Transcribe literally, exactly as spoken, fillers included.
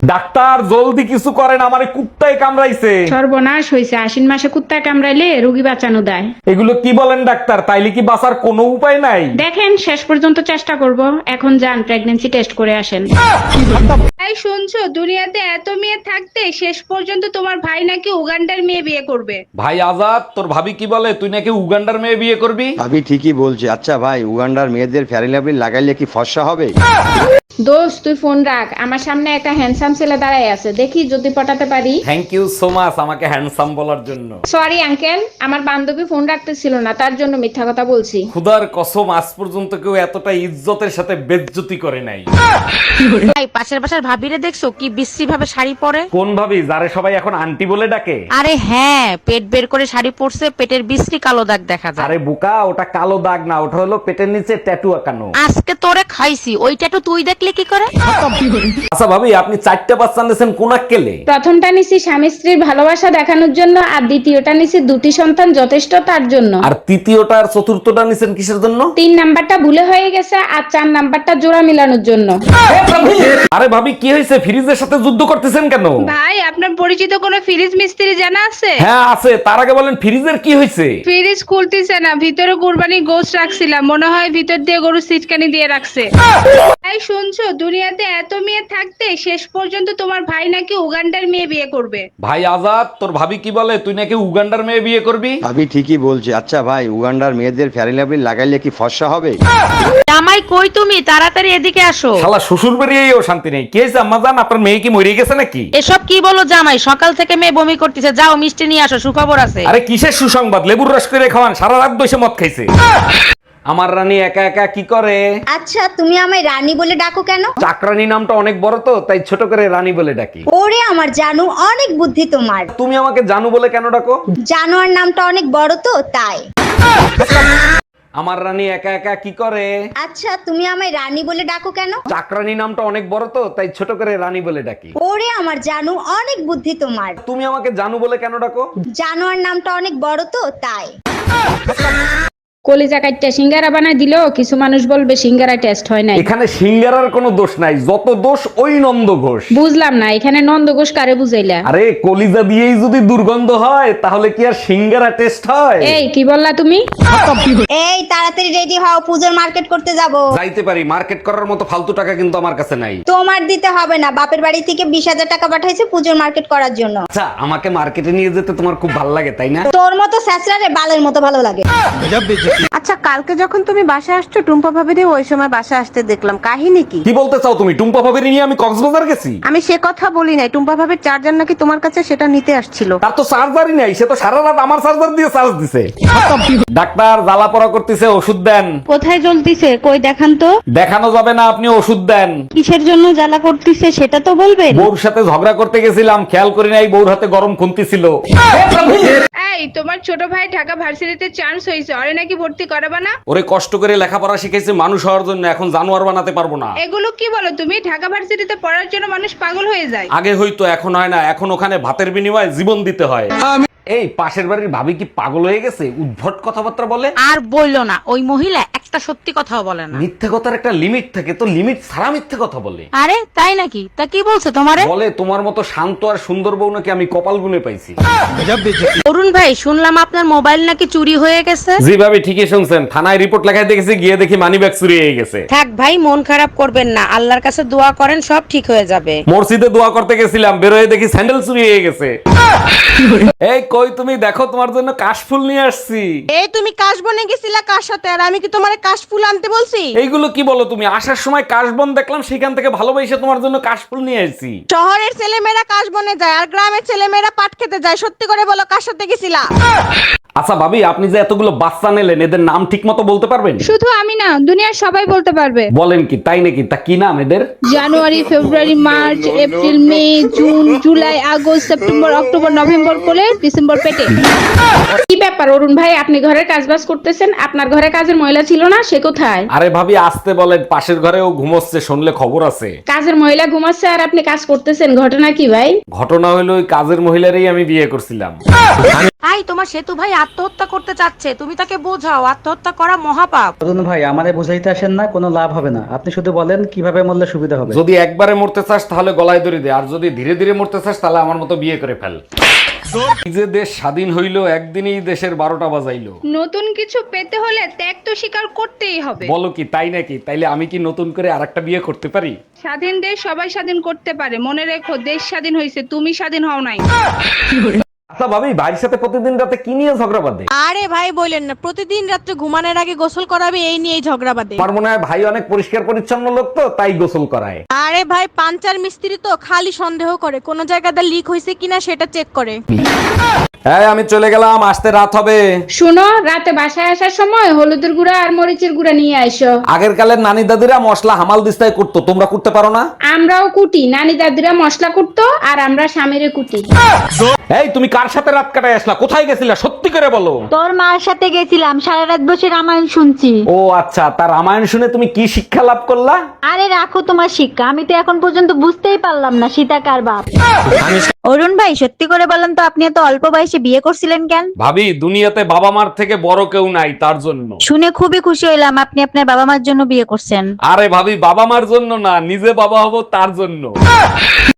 Doctor জলদি কিছু করেন, আমারে কুত্তায় কামড়াইছে। সর্বনাশ হয়েছে, আশ্বিন মাসে কুত্তায় কামড়াইলে রোগী বাঁচানো দেয়। এগুলো কি বলেন ডাক্তার? তাইলে কি বাঁচার কোনো উপায় নাই? দেখেন শেষ পর্যন্ত চেষ্টা করব। এখন যান প্রেগন্যান্সি টেস্ট করে আসেন। তাই শুনছো, দুনিয়াতে এত মেয়ে থাকতে শেষ পর্যন্ত তোমার ভাই নাকি উগান্ডার মেয়ে বিয়ে করবে। ভাই আজাদ, তোর ভাবি কি বলে? তুই নাকি উগান্ডার মেয়ে বিয়ে করবি? ভাবি ঠিকই বলছে। আচ্ছা ভাই, উগান্ডার মেয়েদের ফেয়ারি লাভলি লাগাইলে কি ফর্সা হবে? দোস্ত তুই ফোন রাখ, আমার সামনে একটা হ্যান্ডসাম ছেলে দাঁড়ায় আছে, দেখি যদি পটাতে পারি। থ্যাংক ইউ সো মাচ আমাকে হ্যান্ডসাম বলার জন্য। সরি আঙ্কেল, আমার বান্ধবী ফোন রাখতেছিল না, তার জন্য মিথ্যা কথা বলছি। খুদার কসম, আজ পর্যন্ত কেউ এতটা ইজ্জতের সাথে বেজ্জতি করে নাই। ভাই পাশের বাসার ভাবিরে দেখছো কি বিশ্রী ভাবে শাড়ি পরে? কোন ভাবি যারে সবাই এখন আন্টি বলে ডাকে? আরে হ্যাঁ, পেট বের করে শাড়ি পরছে, পেটের বিশ্রী কালো দাগ দেখা যায়। আরে বোকা, ওটা কালো দাগ না, ওটা হলো পেটের নিচে ট্যাটু আঁকানো। আজকে তোরে খাইছি, ওইটা তো তুই দেখলে কি করে? আচ্ছা ভাবি, আপনি চারটা বাচ্চা নিয়েছেন কোন কেলে? প্রথমটা নিছি স্বামী স্ত্রীর ভালোবাসা দেখানোর জন্য, আর দ্বিতীয়টা নিছি দুটি সন্তান যথেষ্ট তার জন্য। আর তৃতীয়টা আর চতুর্থটা নিছেন কিসের জন্য? তিন নাম্বারটা ভুলে হয়ে গেছে, আর চার নাম্বারটা জোড়া মিলানোর জন্য। আরে ভাবি কি হয়েছে? ফ্রিজের সাথে যুদ্ধ করতেছেন কেন? ভাই, আপনার পরিচিত কোনো ফ্রিজ মিস্ত্রি জানা আছে? হ্যাঁ আছে, তার আগে বলেন ফ্রিজের কি হয়েছে? ফ্রিজ খুলতেছে না, ভিতরে কুরবানি গোশ রাখছিলাম, মনে হয় ভিতর দিয়ে গরু সিটকানি দিয়ে রাখছে। তাই শুনছো, দুনিয়াতে এত মেয়ে থাকতে শেষ পর্যন্ত তোমার ভাই নাকি উগান্ডার মেয়ে বিয়ে করবে। ভাই আজাদ, তোর ভাবি কি বলে? তুই নাকি উগান্ডার মেয়ে বিয়ে করবি? ভাবি ঠিকই বলছে। আচ্ছা ভাই, উগান্ডার মেয়েদের ফেয়ারি লাভলি লাগাইলে কি ফর্সা হবে? জামাই কই তুমি? তাড়াতাড়ি এদিকে আসো। শালা শ্বশুর বাড়িয়েও শান্তি নেই। কি হয়েছে আম্মা জান, আপনার মেয়ে কি মরে গেছে নাকি? এসব কি বলো জামাই? সকাল থেকে মেয়ে বমি করতেছে, যাও মিষ্টি নিয়ে আসো, সুখবর আছে। আরে কিসের সুসংবাদ? লেবুর রস করে খাওয়ান, সারা রাত বসে মদ খাইছে। আমার রানী একা একা কি করে? আচ্ছা, তুমি আমায় রানী বলে ডাকো কেন? চাকরানী নামটা অনেক বড় তো, তাই ছোট করে রানী বলে ডাকি। ওরে আমার জানু, অনেক বুদ্ধি তোমার। তুমি আমাকে জানু বলে কেন ডাকো? জানোয়ার নামটা অনেক বড় তো, তাই। আমার রানী একা একা কি করে? আচ্ছা, তুমি আমায় রানী বলে ডাকো কেন? চাকরানী নামটা অনেক বড় তো, তাই ছোট করে রানী বলে ডাকি। ওরে আমার জানু, অনেক বুদ্ধি তোমার। তুমি আমাকে জানু বলে কেন ডাকো? জানোয়ার নামটা অনেক বড় তো, তাই। কলিজা কাটটা সিঙ্গারা বানায় দিল, কিছু মানুষ বলবে সিঙ্গারা টেস্ট হয় নাই। এখানে সিঙ্গারার কোনো দোষ নাই, যত দোষ ওই নন্দ ঘোষ। বুঝলাম না, এখানে নন্দ ঘোষ কারে বুঝাইলা? আরে কলিজা দিয়েই যদি দুর্গন্ধ হয়, তাহলে কি আর সিঙ্গারা টেস্ট হয়? এই কি বললা তুমি? এই তাড়াতাড়ি রেডি হও, পূজোর মার্কেট করতে যাব। যাইতে পারি, মার্কেট করার মতো ফালতু টাকা কিন্তু আমার কাছে নাই। তোমার দিতে হবে না, বাপের বাড়ি থেকে বিশ হাজার টাকা পাঠাইছে পূজোর মার্কেট করার জন্য। আচ্ছা, আমাকে মার্কেটে নিয়ে যেতে তোমার খুব ভালো লাগে তাই না? তোর মতো স্যাঁচড়ারে বালের মতো ভালো লাগে। আচ্ছা, কালকে যখন তুমি বাসা আসছো, টুম্পা ভাবিরে ওই সময় বাসা আসতে দেখলাম, কাহিনী কি? কি বলতে চাও তুমি? টুম্পা ভাবির নিয়ে আমি কক্সবাজার গেছি? আমি সে কথা বলি নাই, টুম্পা ভাবির চার্জার নাকি তোমার কাছে, সেটা নিতে আসছিল। তার তো চার্জারই নাই, সে তো সারা রাত আমার চার্জার দিয়ে চার্জ দিছে। ডাক্তার জ্বালা পড়া করতেছে, ওষুধ দেন। কোথায় জ্বলতিছে? কই দেখান তো। দেখানো যাবে না, আপনি ওষুধ দেন। কিসের জন্য জ্বালা করতিছে সেটা তো বলবেন। বউর সাথে ঝগড়া করতে গেছিলাম, খেয়াল করি নাই বউর হাতে গরম খুন্তি ছিল। এই, তোমার ছোট ভাই ঢাকা ভার্সিটিতে চান্স হয়েছে, ওরে নাকি ভর্তি করাবা না? ওরে কষ্ট করে লেখাপড়া শিখেছি মানুষ হওয়ার জন্য, এখন জানোয়ার বানাতে পারবো না। এগুলো কি বলো তুমি? ঢাকা ভার্সিটিতে পড়ার জন্য মানুষ পাগল হয়ে যায়। আগে হয়তো, এখন হয় না। এখন ওখানে ভাতের বিনিময়ে জীবন দিতে হয়। এই পাশের বাড়ির ভাবি কি পাগল হয়ে গেছে? উদ্ভট কথাবার্তা বলে। আর বললো না, ওই মহিলা একটা সত্যি কথাও বলে না। মিথ্যে কথার একটা লিমিট থাকে, তো লিমিট ছাড়া মিথ্যে কথা বলে। আরে তাই নাকি? তা কি বলছে তোমারে? বলে তোমার মতো শান্ত আর সুন্দর বউ নাকি আমি কপাল গুনে পাইছি। অরুণ ভাই, শুনলাম আপনার মোবাইল নাকি চুরি হয়ে গেছে। জি ভাবি, ঠিকই শুনছেন। থানায় রিপোর্ট লেখায় দেখেছি, গিয়ে দেখি মানি ব্যাগ চুরি হয়ে গেছে। থাক ভাই, মন খারাপ করবেন না, আল্লাহর কাছে দোয়া করেন, সব ঠিক হয়ে যাবে। মসজিদে দোয়া করতে গেছিলাম, বেরোয় দেখি স্যান্ডেল চুরি হয়ে গেছে। এই কই তুমি? দেখো তোমার জন্য কাশফুল নিয়ে আসছি। এই তুমি কাশ বনে গেছিলা কার সাথে, আর আমি কি তোমার কাশ ফুল আনতে বলছি? এইগুলো কি বলো তুমি? আসার সময় কাশবন দেখলাম, সেখান থেকে ভালোবেসে তোমার জন্য কাশফুল নিয়ে আসছি। শহরের ছেলেমেয়েরা কাশ বনে যায়, আর গ্রামের ছেলেমেয়েরা পাট খেতে যায়। সত্যি করে বলো, কার সাথে গেছিলা? আচ্ছা ভাবি, আপনি যে এতগুলো বাচ্চা নিলেন, এদের নাম ঠিক মতো বলতে পারবেন? শুধু আমি না, দুনিয়ার সবাই বলতে পারবে। বলেন কি, তাই নাকি? তা কি নাম এদের? January, February, March, April, May, June, July, August, September, October, November করে ডিসেম্বর পেটে। কি ব্যাপার অরুণ ভাই, আপনি ঘরের কাজবাজ করতেছেন, আপনার ঘরে কাজের মহিলা ছিল না? সে কোথায়? আরে ভাবি আসতে বলেন, পাশের ঘরেও ঘুমোচ্ছে, শুনলে খবর আছে। কাজের মহিলা ঘুমাচ্ছে আর আপনি কাজ করতেছেন, ঘটনা কি ভাই? ঘটনা হলো, ওই কাজের মহিলারই আমি বিয়ে করছিলাম। তাই তোমার সেতু ভাই আত্মহত্যা করতে চাচ্ছে, তুমি তাকে বোঝাও আত্মহত্যা করা মহাপাপ। অরুণ ভাই আমারে বুঝাইতে আসেন না, কোনো লাভ হবে না। আপনি শুধু বলেন কিভাবে মরলে সুবিধা হবে। যদি একবারে মরতে চাস তাহলে গলায় দড়ি দে, আর যদি ধীরে ধীরে মরতে চাস তাহলে আমার মতো বিয়ে করে ফেল। এই যে দেশ স্বাধীন হইলো একদিনই দেশের বারোটা বাজাইলো। নতুন কিছু পেতে হলে ত্যাগ তো স্বীকার করতেই হবে। বলো কি তাই নাকি? তাইলে আমি কি নতুন করে আরেকটা বিয়ে করতে পারি? স্বাধীন দেশ সবাই স্বাধীন করতে পারে, মনে রেখো দেশ স্বাধীন হয়েছে, তুমি স্বাধীন হও নাই। আচ্ছা ভাবি, ভাইয়ের সাথে প্রতিদিন রাতে কি নিয়ে ঝগড়া বাঁধে? আরে ভাই বলেন না, প্রতিদিন রাত্রে ঘুমানোর আগে গোসল করাবে এই নিয়েই ঝগড়া বাঁধে। আমার মনে হয় ভাই অনেক পরিষ্কার পরিচ্ছন্ন লোক তো তাই গোসল করায়। আরে ভাই পাঞ্চার মিস্ত্রি তো খালি সন্দেহ করে কোন জায়গাতে লিক হয়েছে কিনা সেটা চেক করে। হ্যাঁ আমি চলে গেলাম, আসতে রাত হবে। শুনো, রাতে বাসায় আসার সময় হলুদের গুঁড়া আর মরিচের গুঁড়া নিয়ে আইসো। আগের কালের নানি দাদিরা মশলা হামাল দিস্তায় করতো, তোমরা করতে পারো না? আমরাও কুটি, নানি দাদিরা মশলা কুটতো আর আমরা স্বামীরে কুটি। এই তুমি কার সাথে রাত কাটায় আসলা? কোথায় গেছিলা সত্যি করে বলো। তোর মার সাথে গেছিলাম, সারা রাত বসে রামায়ণ শুনছি। ও আচ্ছা, তার রামায়ণ শুনে তুমি কি শিক্ষা লাভ করলা? আরে রাখো তোমার শিক্ষা, আমি তো এখন পর্যন্ত বুঝতেই পারলাম না সীতা কার বাপ। অরুণ ভাই সত্যি করে বলেন তো, আপনি এত অল্প বয়সে বিয়ে করছিলেন কেন? ভাবি দুনিয়াতে বাবা মার থেকে বড় কেউ নাই, তার জন্য। শুনে খুবই খুশি হইলাম আপনি আপনার বাবা মার জন্য বিয়ে করছেন। আরে ভাবি বাবা মার জন্য না, নিজে বাবা হব তার জন্য।